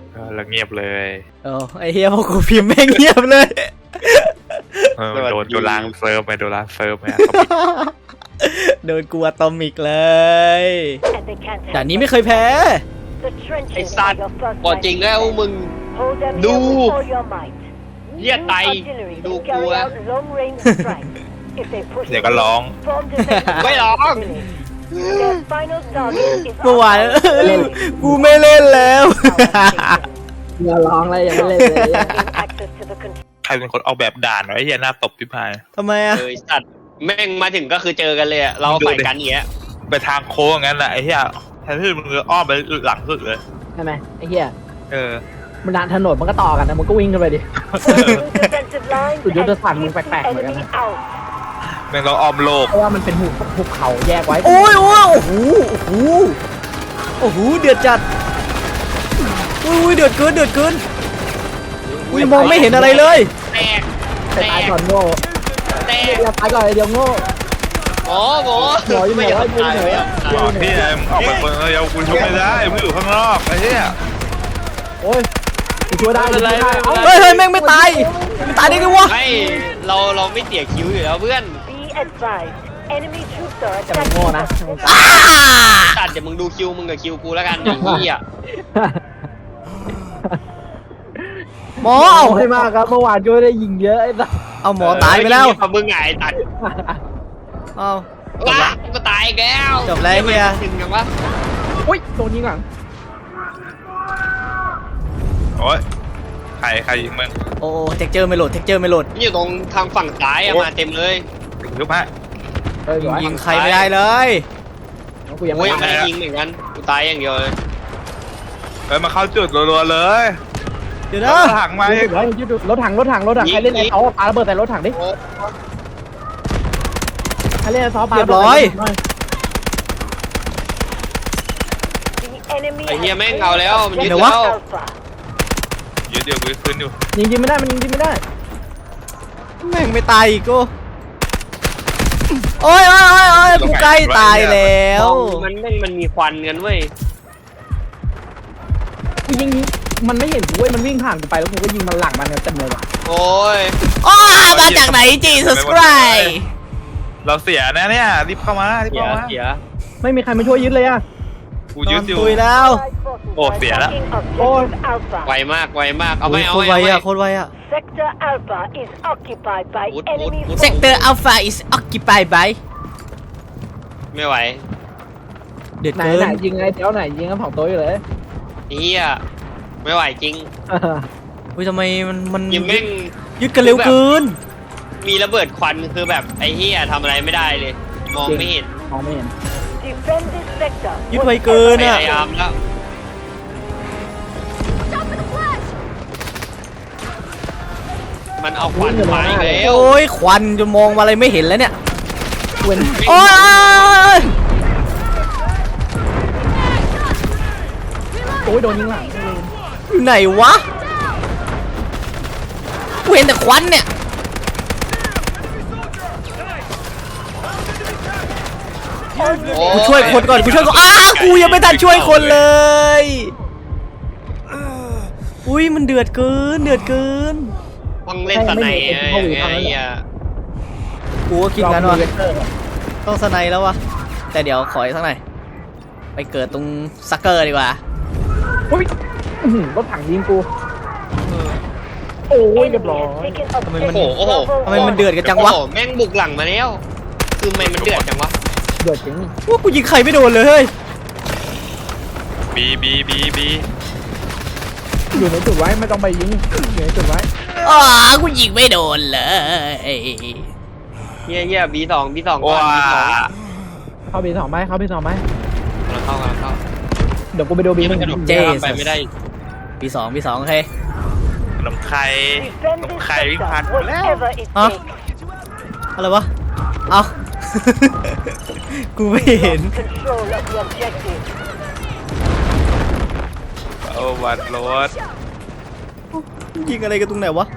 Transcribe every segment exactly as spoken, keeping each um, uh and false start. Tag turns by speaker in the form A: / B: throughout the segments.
A: แล้วเงียบเลย
B: เออไอเฮียพอกูพิมพ์แม่งเงียบเลย
A: โดนโดนล้างเซิร์ฟไปโดนล้างเซิร์ฟไป
B: โดนกูอะตอมิกเลยแต่นี้ไม่เคยแพ้
C: ไอ้สัตว์บอกจริงแล้วมึงดูเรียกไตดูกูอะ
A: เดี๋ยวก็ร้อง
C: ไม่ร้อง
B: เมื่อวานกูไม่เล่นแล้ว
D: อย่าร้องเลยอย่าไม่เล่นเลย
A: ใครเป็นคนเอาแบบด่านไว้เฮียหน้าตบพี่พาย
B: ทำไมอะ
C: เฮ้ยสัตว์แม่งมาถึงก็คือเจอกันเลยอะเราไปกันอย่างเงี้ย
A: ไปทางโค้งงั้นแหละไอ้เฮียแทนที่มึงจะอ้อมไปหลังสุดเลย
D: ใช่ไหมไอ้เหี้ย
A: เออ
D: มันดันถนนมันก็ต่อกันนะมันก็วิ่งกันไปดิสุดยอดสั่งมึงแปลกๆเหมือนกันนะ
A: แม่งเราอ้อมโลก
D: เพราะว่ามันเป็นหุบหุบเขาแยกไว้
B: โอ้ยโอ้ยโอ้โหโอ้โหโอ้โหเดือดจัดอุ้ยเดือดเกินเดือดเกินอุ้ยมองไม่เห็นอะไรเลย
C: แตก
D: แต่ตายก่อนโง่
C: แตก
D: อย่าตายก่อนเดี๋ยวโง่
C: โอ้โห
D: หอยไม่ไหวไม่ไหว
A: พี่ออกไปคนเดียวกูช่วยไม่ได้มึงอยู่ข้างนอกไอ้เหี้ย
D: โอ้ยกูช่วยได้เลย
B: เฮ้ยเฮ้ยแม่งไม่ตายไม่ตายได้ไงวะ
C: ไม่เราเราไม่เสียคิวอยู่แล้วเพื่อน
D: จะมึงโง่นะ
C: ตัดเดี๋ยวมึงดูคิวมึงกับคิวกูแล้วกันไอ้เหี้ย
B: หมอ
D: เอาให้มากครับเมื่อวานก็ได้ยิงเยอะไอ้สัส
B: เอาหมอตายไปแล้ว
C: มึงไงตัด
B: เอา
C: ว้าก็ตายแล้ว
B: จบแล้วเฮีย
C: จริงจังวะ
D: อุ้ยโดนยิงหลัง
A: โอ้ยใครใครยิงมึง
B: โอ้เทคเจอร์ไม่โหลดเทคเจอร์ไม่โหลด
C: นี่อยู่ตรงทางฝั่งซ้ายมาเต็มเลย
A: ยุบฮะ
B: ยิงใครไม่ได้เลย
C: กูยังไม่ได้ยิงเหมือนกันกูตายอย่างเดียวเลย
A: เฮ้ยมาเข้าจุดรัวๆเลย
B: เดี๋ยวนะ
A: รถถังมาอีก
D: รถถังรถถังรถถังใครเล่นไอ้เขาปาระเบิดใส่รถถังดิใครเล่นไอ้ซอปา
B: เรียบร้อย
C: ไอ้เหี้ยแม่งเอาแล้วมันยึดแล้ว
A: ยึดเดี๋ยวกูขึ้นอยู่
D: ยิงยิงไม่ได้มันยิงยิงไม่ได้
B: แม่งไม่ตายอีกกูโอ้ยโอ้ยโอ้ยโอ้ยกูใกล้ตายแล้ว
C: มันแม่งมันมีควันกันเว้ย
D: กูยิงมันไม่เห็นกูเว้ยมันวิ่งผ่านกูไปแล้วกูก็ยิงมันหลังมันเต็มเลยว่ะ
C: โอ้ย
B: อ้ามาจากไหนจีซัสไคร
A: เราเสียนะเนี่ยรีบเข้ามารีบเข้ามา
C: เสีย
D: ไม่มีใครมาช่วยยึดเลยอ่ะ
A: กูยึดอยู่
B: ตุยแล้ว
A: โอ้เสียแล้ว
D: โอ้
C: ไวมากไวมากเอาไม่เอาไม่
B: โคตรไวอะโคตรไวอะ
E: Sector Alpha is occupied by enemy
B: Sector Alpha is occupied by
C: ไม่ไหว
B: เดือด
D: ไหน
B: เกิน
D: ไหนยิงไงเดี๋ยวไหนยิงกันสองตัวอยู่เลย
C: เฮียไม่ไหวจริง
B: อุ้ยทำไมมันมัน
C: ยิงแม่ง
B: ยึดกันเร็วเกิน
C: มีระเบิดควันคือแบบไอ้เฮียทำอะไรไม่ได้เลยมองไม่เห็น
D: มองไม่เห็น
B: ยึดไวเกินอ่ะ
C: พยายามแล้วมันเอาควันมาอีกแล้ว
B: โอ้ยควันจนมองอะไรไม่เห็นแล้วเนี่ยโอ้ย
D: โอ้ยโดนยิงหลัง
B: อยู่ไหนวะกูเห็นแต่ควันเนี่ยกูช่วยคนก่อนกูช่วยก่อนอ้ากูยังไม่ทันช่วยคนเลยอุ้ยมันเดือดเกินเดือดเกิน
C: ต้องเล่นสไนด์ไอ้เหี้ย
B: กูก็คิดงั้นว่ะต้องสไนด์แล้ววะแต่เดี๋ยวขออีกสักหน่อยไปเกิดตรงซักเกอร์ดีกว่า
D: อุ้ยรถถังยิงกูโอ้ยเรียบร้อย
B: ทำไมมันโอ้โหทำไมมันเดือดกันจังวะ
C: แม่งบุกหลังมาแล้วคือทำไมมันเดือดจังวะ
D: เดือดจริง
B: ว่ากูยิงใครไม่โดนเลยเฮ้ย
A: บีบีบีบี
D: อยู่ในจุดไว้ไม่ต้องไปยิงอยู่ในจุดไว้
B: อ๋อกูยิงไม่โดนเลย
C: เฮียเฮียบีสองบีสอง
A: ว้า
D: เข้าบีสองไหมเข้าบีสองไหม
C: เราเข้ากันเข้า
D: เดี๋ยวกูไปดูบีหนึ่ง
B: เจ๊
C: ไปไม่ได้
B: บีสองบีสองโอเค
A: น้ำไข่น้ำไข่วิ่งผ่านแล้ว
B: อ๋ออะไรวะเอากูไม่เห็น
A: โอ้วัดรถ
B: ยิงอะไรกันตรงไหนวะ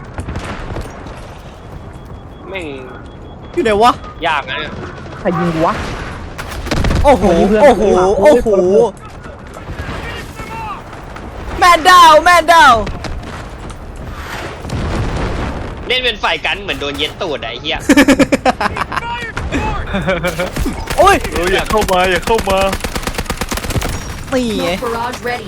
C: แม่ง
B: อยู่ไหนวะ
C: ยากนะเนี่ย
D: ใครยิงวะ
B: โอ้โหโอ้โหโอ้โหแมนดาวแมนดาว
C: เล่นเป็นฝ่ายกันเหมือนโดนเย็ดตูดอะไอ้เหี้ย
B: โอ้ย
A: เอออย่าเข้ามาอย่าเข้ามา
B: นี่ไง
F: Smoke barrage ready.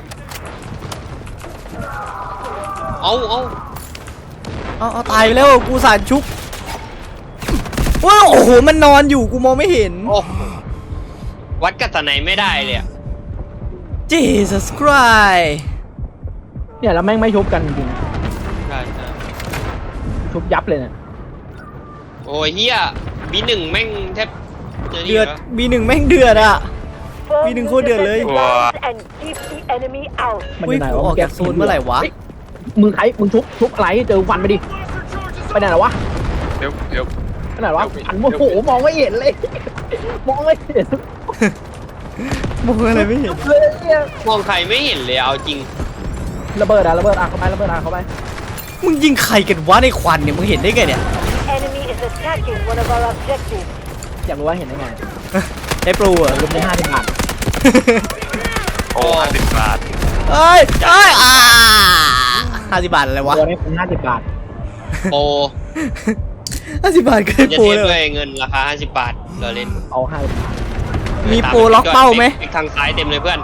C: เอาเอา
B: เอาเอาตายไปแล้วกูสารชุบโอ้ยโอ้โหมันนอนอยู่กูมองไม่เห็น
C: โอ้โหวัดกับสไนไม่ได้เลยอะ
B: Jesus Christ
D: เนี่ยแล้วแม่งไม่ชุบกันจริง
C: ใช่ใช่
D: ๆชุบยับเลยเนี่ย
C: โอ้ยเฮียบีหนึ่งแม่งแทบจะนี่
B: เดือด
C: แล้ว
B: บีหนึ่งแม่งเดือดอ่ะ
E: Form
B: Bi đừng
E: new
B: khô đượt lấy.
E: defensive lines and keep the enemy out.
D: มัน
B: อุ้
D: อย ยู่ไหน
B: กู
D: วะ
B: ออกจากโซนเมื่อไหร่วะ
D: เฮ้ยมึงใครมึงชุบชุบอะไรเจอฟันไปดิไปไหนแล้ววะ
A: เดี๋ยวเดี๋ยว
D: ไปไหนวะฟันโอ้โหมองไม่เห็นเลย มองไม่เห็น
B: มองอะไรไม่เห็น
D: เลยเนี่ย
C: มองใครไม่เห็นเลยเอาจริง
D: ระเบิดอะระเบิดอะเข้าไประเบิดอะเข้าไป
B: มึงยิงใครกันวะในควันเนี่ยมึงเห็นได้ไงเนี่ย
E: Enemy is attacking one of our objectives.
D: อยากรู้ว่าเห็นได้ไง
B: ได้โปรเหรอ
D: ลงไปห้าสิบบาท
A: โอ้ห้าสิบบาท
B: เอ้ยเอ้ยอ่าห้าสิบบาทอะไรวะ
D: ตัวนี้คุณห้าสิบบาท
C: โปร
B: ห้าสิบบาทก็ได้
C: จะ
B: โปร
C: เทียบ
B: เล
C: ด้วย ยเงินราคาห้าสิบบาทเราเล่น
D: เอาห้าสิบบาท
B: มีโปรล็อกเป้าไหม
C: เป๊กทางซ้ายเต็มเลยเพื่อน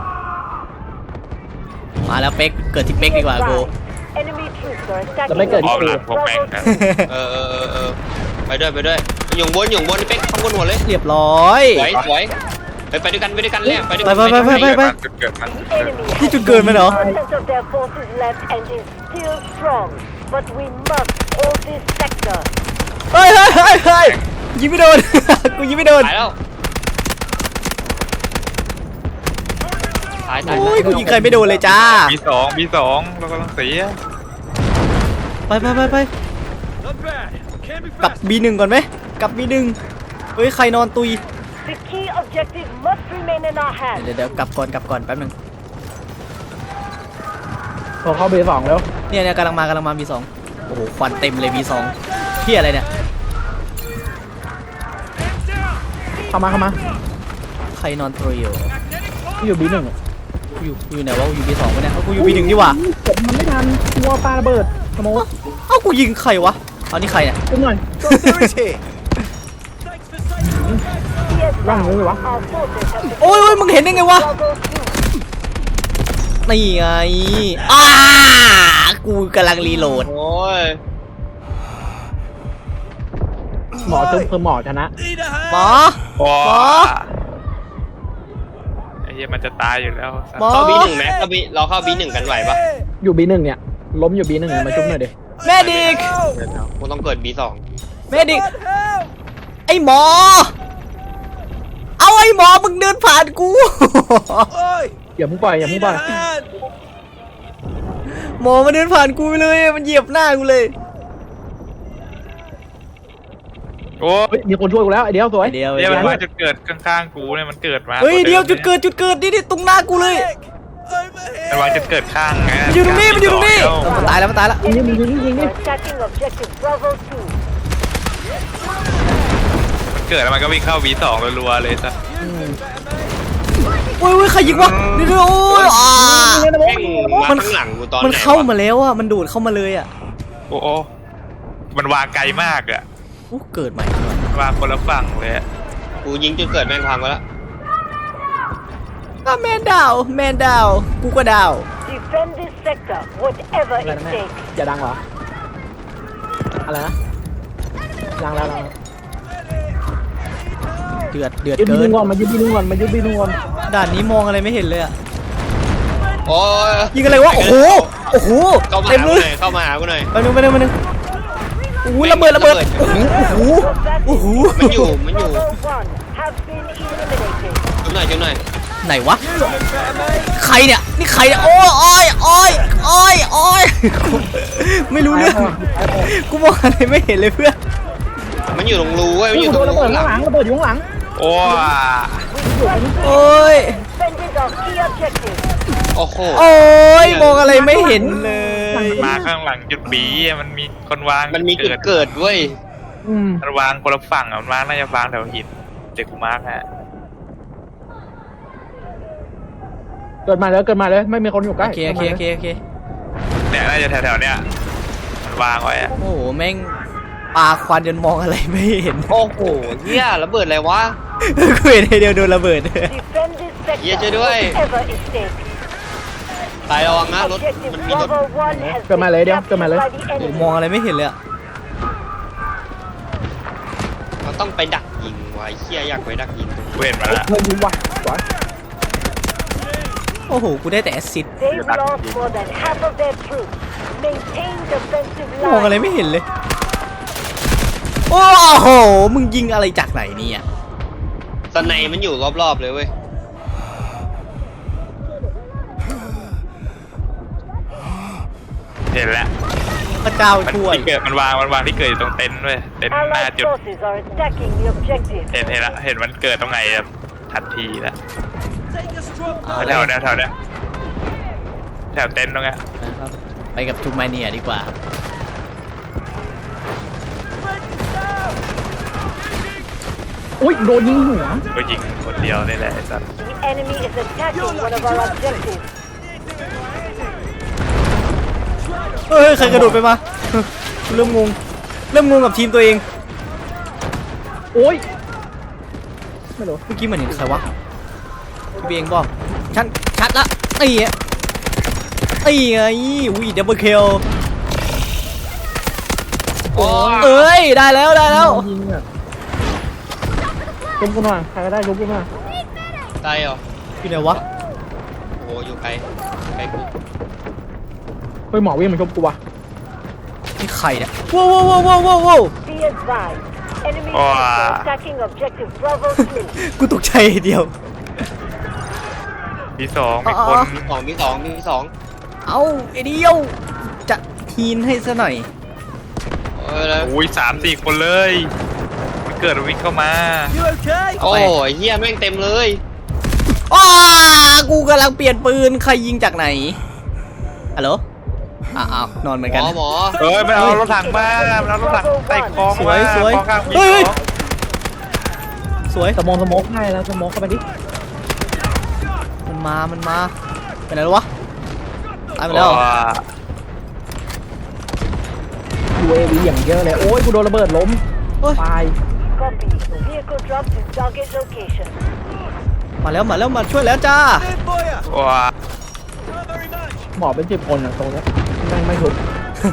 B: มาแล้วเป๊กเกิดที่เป๊กดีกว่ากู
E: Enemy troops are attacking
D: จะไม่เกิด
A: อ๋อ
D: ที่
A: หลั
D: กู
A: งพวกแม่งนะ
C: เออเออเออเออไปด้วยไปด้วยหย่งบนหย่งบนเป๊กข้างบนหัวเลย
B: เรียบร้อย
C: สวยสวยไปไปด้วยกันไปด้วยกันเลยไปด้วย
B: ไป
C: กัน
B: ไปไปไปไป
A: มันเกิดมัน
E: The enemy
B: Cái
E: has
B: chuột cười mày đó.
E: fifty percent of their forces left and is still strong. But we must hold this sector.
B: เฮ้ยเฮ้ยเฮ้ยเฮ้ยยิงไม่โดน กูยิงไม่โดน
C: ตายแล้วตายตาย
B: โอ้ยกูยิงใครไม่โดนเลยจ้า
A: บีสองบีสองเรากำลังเสีย
B: ไปไปไปไปกลับ บีหนึ่ง ก่อนไหมกลับ บีหนึ่ง เฮ้ยใครนอนตุย
E: The key objective must remain in our hands.
B: เดี๋ยวเดี๋ยวกลับก่อนกลับก่อนแป๊บหนึง
D: พอเข้าเบอร์สองแล้ว
B: เนี่ยเนี่ยกำลังมากำลังมา บีสอง โอ้โหควันเต็มเลย บีสอง เที่ยอะไรเนี่ย
D: เข้ามาเข้ามา
B: ใครนอนตุยอยู่
D: อยู่บีหนึ่ง
B: กูอยู่กูอยู่ไหนวะกูอยู่ บีสอง ปะเนี่ยเอ้ากูอยู่ บีหนึ่ง นี่หว่า
D: กดมันไม่ทันกลัวปาระเบิดสมมติ
B: เอ้ากูยิงใครวะเอานี่ใครเนี่ย
D: ขึ้นหน่อย
E: Be
D: ร่าง
E: advised,
D: มือวะ
E: our forces have been
B: โอ้ยโอ้ยมึงเห็นได้ไงวะ
E: struggle too.
B: นี่ไงอ้ากูกำลังรีโหลด
C: โอ้ย
D: หมอชุบคือหมอชนะ
B: หมอ
A: โอ้
B: หมอ
A: ไอ้เหี้ยมันจะตายอยู่แล้ว
B: หมอ
C: เข้าบีหนึ่งไหมเข้าบีเราเข้าบีหนึ่งกันไหวปะ
D: อยู่บีหนึ่งเนี่ยล้มอยู่บีหนึ่งมาชุบหน่อยดิ
B: แม่ดิก
C: กูต้องเกิดบีสอง
B: แม่ดิกไอหมอ เอาไอหมอมึงเดินผ่านกู
D: อย่ามึงปล่อยอย่ามึงปล่อย
B: หมอมาเดินผ่านกูไปเลยมันเหยียบหน้ากูเลย
A: โอ้
D: เฮ้ยมีคนช่วยกูแล้วไอเดียวสวย
B: เดียว
A: เดี๋ยว
B: เดี
A: มัน
B: ยว
A: มาจุดเกิดข้างๆกูเนี่ยมันเกิดมา
B: เฮ้ยเดียวจุดเกิดจุดเกิดนี่นี่ตรงหน้ากูเลย
A: มันวางจุดเกิดข้างไง
B: มันอยู่ตรงนี้มันอยู่ตรงนี้
A: เดี๋ยว
B: เออมันตายแล้วมันตายแล้ว
D: ยิงนี่ยิงนี่ยิงนี่
E: We're attacking objective Bravo two.
A: เกิดแล้วมันก็วิ่งเข้าบีสองรัวๆเลยซะ
B: โอ้ยโอ้ยใครยิงวะนี่ด้วยโอ้ยอ่า
C: แม่งมาข้างหลังกูตอนไหน
B: มันเข้าว มาแล้วอ่ะมันดูดเข้ามาเลยอ่ะ
A: โอ้โอ้มันวางไกลมากอะ
B: อู้เกิดใหม่
A: วางคนละฝั่งเลยอะ
C: กูยิงจนเกิดแม่งพังไปแล้ว
B: อ่ะแมนดาวแมนดาวกูก็ดาว
E: Defend this sector, whatever
D: อะไร
E: it
D: นะแม่
E: takes.
D: อย่าดังเหรออะไรนะดังแล้วดังแล้ว
B: เดือดเดือด
D: ยึดบี
B: เกิ
D: ห
B: น
D: นึ่งก่อนมายึดบีหนึ่งก่อนมายึดบีหนึ่งก่อน
B: ด่านนี้มองอะไรไม่เห็นเลยอ่ะ
C: โอ้ย
B: ยิงอะไรวะโอ้โหโอ้โห
C: เข้ามา
B: เต็ม
C: หา
B: เล
C: กูห
B: ย
C: น่อยเข้ามาหากูหน่อย
B: ไปหนึ่งไปหนึ่งไปหนึ่งโอ้โหระเบิดระเบิดโอ้โหโอ้โห
C: มันอยู่มันอยู่
E: Bravo one have been eliminated.
C: จุ๊บหน่อยจุ๊บหน่อย
B: ไหนวะใครเนี่ยนี่ใครเนี่ยโอ้ยโอ้ยโอ้ยโอ้ยโอ้ยกูไม่รู้เรื่องกูมองอะไรไม่เห็นเลยเพื่อน
C: มันอยู่ตรงรูเว้ยมัน
D: นี่
C: อยู่
D: กู
C: ต
D: โด
C: รง
D: นระ
C: รู
D: เบิดข้างหลังระเบิดอยู่ข้างหลัง
A: โอ้
B: โอ้ย
E: Defended our key objective.
C: โอ้โห
B: โอ้ยมองอะไรไม่เห็นเลย
A: มาข้างหลังจุดบีอะมันมีคนวาง
C: มันมีจุดเกิดเว้ย
D: อืม
A: มันวางคนละฝั่งอะมันวางน่าจะวางแถวหินเด็กกูมาร์กฮะ
D: เกิดมาเลยเกิดมาเลยไม่มีคนอยู่ใกล้
B: โอเคโอเคโอเคโอเค
A: เนี่ยน่าจะแถวๆเนี้ยมันวางไว้อะ
B: โอ้โหแม่งปลาควันจนมองอะไรไม่เห็น
C: โอ้โหเฮียระเบิดอะไรวะ
B: กูเห็นไอเดียวโดนระเบิด
E: Defend this sector.
C: Yeah, chơi đuôi.
E: Whatever it takes.
C: ตายระวังนะรถ
E: Objective
C: มันมีรถ
E: Bravo one has
D: เกิดมา
E: been
D: เลยเดี๋ยว
E: captured
D: เกิดมาเลย
E: by the
B: โอ้
E: enemy.
B: มองอะไรไม่เห็นเลยอะ
C: เราต้องไปดักยิงไว้เฮียอยากไปดักยิง
A: กูเห็นมาแล้ว
D: เฮ้ยยิงว่ะสวย
B: โอ้โหกูได้แต่แอสซิด
E: They've lost more than half of their troops. Maintain defensive
B: มองอะไร
E: line.
B: ไม่เห็นเลย โอ้โหมึงยิงอะไรจากไหนเนี่ย
C: สไนมันอยู่รอบๆเลยเว้ย
A: เห็นแล้ว
B: พระเจ้า
A: มัน
B: ช่วย
A: ที่เกิดมันวางมันวางที่เกิดอยู่ตรงเต็นท์ด้วยเต็นท์หน้า
E: Allied
A: จุด
E: forces are attacking the objective.
A: เห็นเห็นละเห็นมันเกิดตรงไหนแบบทันทีแล้ว
B: เอา
A: แถ
B: แล้ว
A: วเนี้ยแถวเนี้ยแถวเต็นท์ตรงเนี้ย
B: นะครับไปกับทูมาเนียดีกว่าครับ
D: อุ้ยโดนยิงหัว
A: ก็ยิงคนเดียวนี่แหละไอ้สัส
E: The enemy is attacking one of our objectives.
B: เฮ้ยใครกระโดดไปมาเริ่มงงเริ่มงงกับทีมตัวเอง
D: โอ้ยไม่รู้
B: เมื่อกี้มันเห็นใครวะพี่เบียงบอกชัดชัดละไอ้เหี้ยไอ้ไงอุ้ยดับเบิลคิล
C: โอ้ย
B: เอ้ยได้แล้วได้แล้ว
D: ยิงอ่ะชุบกูหน่อยใครก็ได้ชุบกูหน่อย
C: ตายเหรอ
B: อยู่ไหนวะ
C: โอ้โหอยู่ไกลไกลกู
D: เฮ้ยหมอวิ่งมาชุบกูว่ะ
B: นี่ใครเนี่ยว้าวว้าวว้าวว้าวว้าว
E: Be advised. Enemy troops are attacking objective Bravo two.
B: กูตกใจเดียว
A: มีสองมีคน
C: มีสองมีสองมีสอง
B: เอาไอเดียวจะทีนให้ซะหน่อย
C: เออแล้ว
A: อุ้ยสามสี่คนเลยมันเกิดวิ่งเข้ามา
C: โอ้ยเฮียแม่งเต็มเลย
B: อ้ากูกำลังเปลี่ยนปืนใครยิงจากไหนฮัลโหลอ้าวนอนเหมือน
C: หม
B: กัน
C: อหมอ
A: เฮ้ยมันเอารถถังมามันเอารถถังใส่คลอง
B: สวย
A: มา
B: สวย
A: คลองข้างมี
B: เฮ้ย
A: คลอง
B: สวย
D: สมองสมองให้แล้วสมองเข้าไปดิ
B: มันมามันมาไปไหนแล้ววะตายไปแล้ว
D: ยูเอวีอย่างเยอะเลยโอ้ยกูโดนระเบิดล้ม
B: โอ้ย
D: ตาย
E: Copy. Vehicle dropped to target location.
B: มาแล้วมาแล้วมาช่วยแล้วจ้า
A: ว้า
D: หมอเป็นสิบคนอ่ะตรงเนี้ยแม่งไม่ชุบ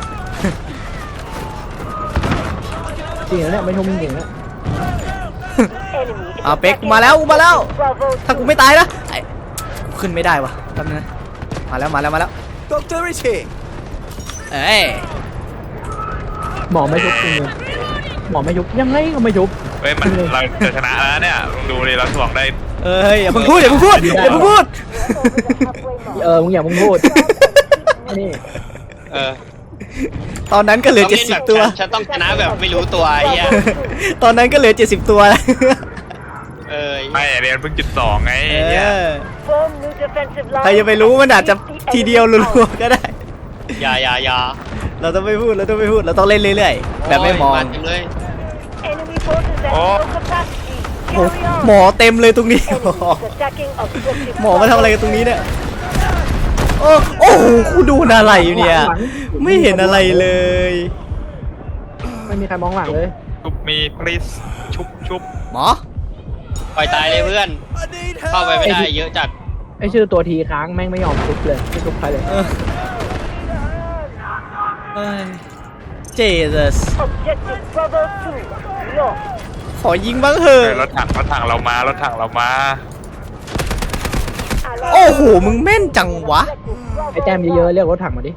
D: จริงนะเนี่ยไม่ชุบจริงๆนะ
E: Enemy is
B: อ่าเป็ก
E: attacking
B: มาแล้วกูมาแล้ว
E: Bravo
B: ถ้ากู
E: two.
B: ไม่ตายนะไอ้กูขึ้นไม่ได้วะแป๊บนึงนะมาแล้วมาแล้วมาแล้วดรริชเอ้ย
D: หมอไม่ชุบจริงๆหมอไม่ชุบยังไงก็ไม่ชุบ
A: เฮ้ยมันเราจะชนะแล้วเนี่ยลองดูดิเราถ่วงได้
B: เอ้ยอย่าเพิ่งพูดอย่าเพิ่งพูดอย่าเพิ่งพูด
D: เออมึงอย่ามึงพูดนี่
C: เออ
B: ตอนนั้นก็เหลือ
C: ต้อง
B: เจ็ด
C: เล่น
B: สิ
C: แบบ บ
B: ตัว
C: ฉันต้องชนะแบบไม่รู้ตัวไอ้เหี้ย
B: ตอนนั้นก็เหลือเจ็ดสิบตัวแล้ว
C: เออ
A: ไม่เรียนเพิ่งจุดสองไง
B: เอ
A: เนี่ย
B: อ
E: Form new defensive line.
B: ใครจะไปรู้มันอาจจะทีเดียวรัวๆก็ได้
C: อย่าอย่าอย่า
B: เราต้องไม่พูดเราต้องไม่พูดเราต้องเล่นเรื่อยๆแบบไม่มอง
C: โยาเต็มเลย
E: Enemy forces have no capacity.
B: โอ้
E: Carry on.
B: หมอเต็มเลยตรงนี้
E: Enemy is attacking objective
B: หมอมาทำอะไรกันตรงนี้เนี่ยโอ้โอ้โหกูดูอะไรอยู่เนี่ย ไม่เห็นอะไรเลย
D: ไม่มีใครมองหลังเลย
A: ชุบมี please ชุบชุบ
B: หมอ
C: ปล่อยตายเลยเพื่อน เข้าไปไม่ได้เยอะจัด
D: ไอชื่อตัวทีค้างแม่งไม่ยอมชุบเลยไม่ชุบใครเลย
B: เออเอ้ย Jesus
E: Objective Bravo two. Lost.
B: ขอยิงบ้างเถอะ
A: เฮ้ยรถถังรถถังเรามารถถังเรามา
E: Allied
B: โอ้โหมึงแม่นจังวะ
D: ไอแต้มเยอะๆเรียกรถถังมาดิ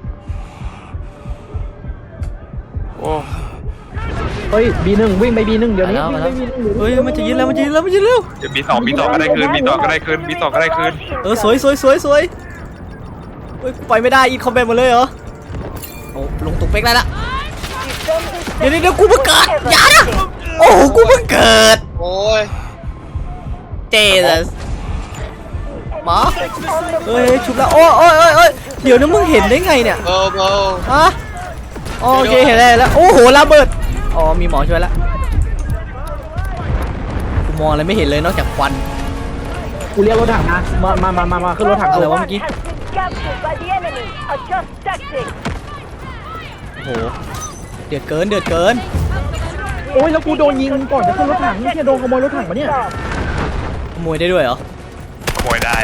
A: โอ้
D: เฮ้ยบีหนึ่งวิ่งไปบีหนึ่งเดี๋ยวนี้
B: มา
D: วิ่ง
B: แล้ว
D: ไปบีหนึ่งเดี๋ยวนี้
B: เฮ้ยมันจะยิงแล้วมันจะยิงแล้วมันจะยิงแล้ว
A: เดี๋ยวมีสองมีสองก็ได้คืนมีสองก็ได้คืนมีสองก็ได้คืน
B: เออสวยสวยสวยสวยเฮ้ยกูไปไม่ได้อีคอมแบนหมดเลยเหรอโอ้ลงตุกเป๊กได้ละ เดี๋ยวเดี๋ยวเดี๋ยวกูเพิ่งเกิดอย่านะโอ้โหกูเพิ่งเกิด
C: โอ้ย
B: Jesus หมอเฮ้ยชุบแล้วโอ้ยโอ้ยโอ้ยโอ้ยเดี๋ยวนะมึงเห็นได้ไงเนี่ย
C: เบอร์เบอร์
B: ฮะอ๋อโอเคเห็นได้แล้วโอ้โหระเบิดอ๋อมีหมอช่วยแล้วกูมองอะไรไม่เห็นเลยนอกจากควัน
D: กูเรียกรถถังนะมามามามามาขึ้นรถถัง
B: อะไร
D: เลยว
B: ะ
D: วะ
B: เมื่อกี้
E: has been captured by the enemy. Adjust tactics.
B: โอ้โหเดือดเกินเดือดเกิน
D: โอ้ยแล้วกูโดนยิงก่อนจะขึ้นรถถังนี่โดนขโมยรถถังมาเนี่ย
E: Stop.
B: ขโมยได้ด้วยเหรอ
A: ขโมยได้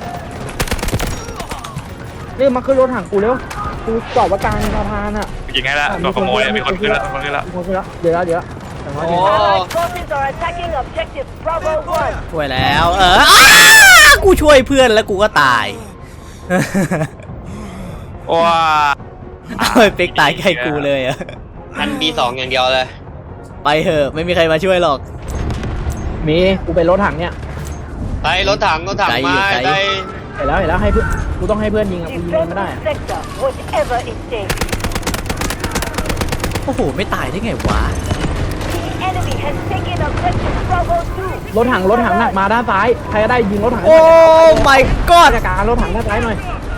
D: นี่มาขึ้นรถถังกูเร็วกูจอดไว้กลางสะพานอ่ะ
A: ยิงให้ละโดนขโมยมีคนขึ้นละมีคนขึ้นละ
D: มีคนขึ้นแล้วเดี๋ยวแล้วเดี๋ยวแล้วแต่ว่า
C: โอ้
E: Allied forces are attacking objective Bravo one.
B: ช่วยแล้ว เอออ้ากูช่วยเพื่อนแล้วกูก็ตาย
A: ว้า
B: เอาไอ้เป็กตายใกล้กูเลยอะ
C: อันบีสองอย่างเดียวเลย
B: ไปเถอะไม่มีใครมาช่วยหรอก
D: มีกูเป็นรถถังเนี่ย
C: ไปรถถังรถถัง
B: ไกลอยู่
C: มา
B: ไกล
C: ได้
D: เห็นแล้วเห็นแล้วให้เพื่อนกูต้องให้เพื่อนยิงอ่ะกูยิงมันไม่
E: Defend
D: ได้
E: the
D: อะ
E: sector, whatever it takes.
B: โอ้โหไม่ตายได้ไงวะ
E: The enemy has taken objective Bravo two.
D: รถถังรถถังหนักมาด้านซ้ายใครก็ได้ยิงรถถัง
B: โอ้ my
D: ก็
B: god
D: จัดการรถถังด้านซ้ายหน่อย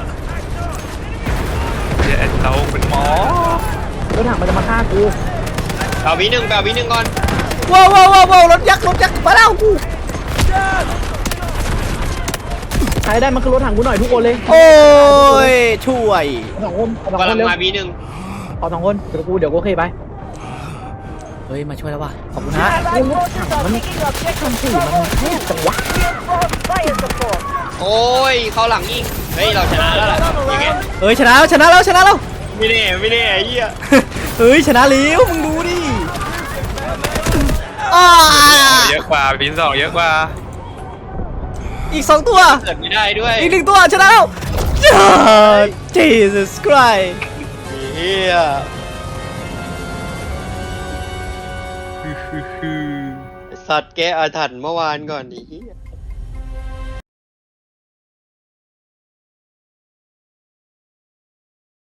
A: เราเป็นหมอ
D: รถถังมันจะมาฆ่ากู
C: เอาบีหนึ่งไปเอาบีหนึ่งก่อน
B: ว้าวว้าวว้าวว้าวรถยักษ์รถยักษ์มาแล้วกู
D: ใครได้มันคือรถถังกูหน่อยทุกคนเลย
B: โอ้ยช่วย
D: สองคนสอง
C: กำ
D: ค
C: ลั
D: น
C: ง
D: เร็ว
C: มาบีหนึ่ง
D: ขอสองคนเดี๋ยวกูเดี๋ยวกูโอเคไป
B: เฮ้ยมาช่วยแล้วว่ะขอบคุณฮะ
E: Allied forces are taking objective
D: สี่มัน
E: Bravo
D: แคบจังวะ
E: Reinforce fire support.
C: โอ้ยเข้าหลังยิงเฮ้ยเราชนะแล้วล่ะยังไง
B: เฮ้ยชนะแล้วชนะแล้วชนะแล้ว
C: ไม่แน่ไม่แน่ไอ้เหี้ย
B: เฮ้ยชนะแล้วมึงดูดิอ้า
A: เยอะกว่าปีสองเยอะกว่า
B: อีกสองตัว
C: เกิดไม่ได้ด้วย
B: อีกหนึ่งตัวชนะแล้ว Jesus Christ
C: เฮียไอ้สัตว์แกอาถรรพ์เมื่อวานก่อนดิเฮีย